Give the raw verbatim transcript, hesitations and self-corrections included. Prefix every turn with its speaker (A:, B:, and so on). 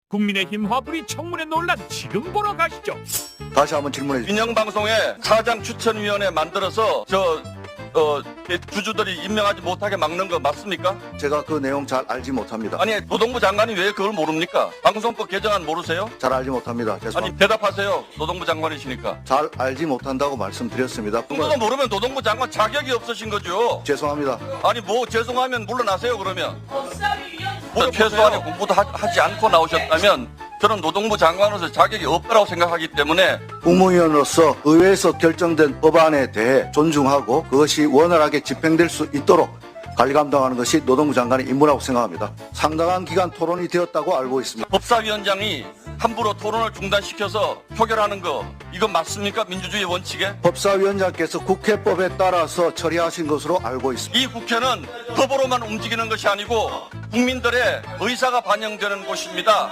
A: 국민의힘 화풀이 청문회 논란 지금 보러 가시죠.
B: 다시 한번 질문해 주십시오.
C: 민영방송에 사장 추천위원회 만들어서 저 어, 주주들이 임명하지 못하게 막는 거 맞습니까?
B: 제가 그 내용 잘 알지 못합니다.
C: 아니 노동부 장관이 왜 그걸 모릅니까? 방송법 개정안 모르세요?
B: 잘 알지 못합니다.
C: 아니
B: 죄송합니다.
C: 대답하세요. 노동부 장관이시니까.
B: 잘 알지 못한다고 말씀드렸습니다.
C: 그거 모르면 노동부 장관 자격이 없으신 거죠.
B: 죄송합니다.
C: 아니 뭐 죄송하면 물러나세요 그러면. 뭐 최소한의 공부도 하, 하지 않고 나오셨다면 저는 노동부 장관으로서 자격이 없다고 생각하기 때문에
B: 국무위원으로서 의회에서 결정된 법안에 대해 존중하고 그것이 원활하게 집행될 수 있도록 관리 감독하는 것이 노동부 장관의 임무라고 생각합니다. 상당한 기간 토론이 되었다고 알고 있습니다.
C: 법사위원장이 함부로 토론을 중단시켜서 표결하는 거 이건 맞습니까? 민주주의 원칙에?
B: 법사위원장께서 국회법에 따라서 처리하신 것으로 알고 있습니다.
C: 이 국회는 법으로만 움직이는 것이 아니고 국민들의 의사가 반영되는 곳입니다.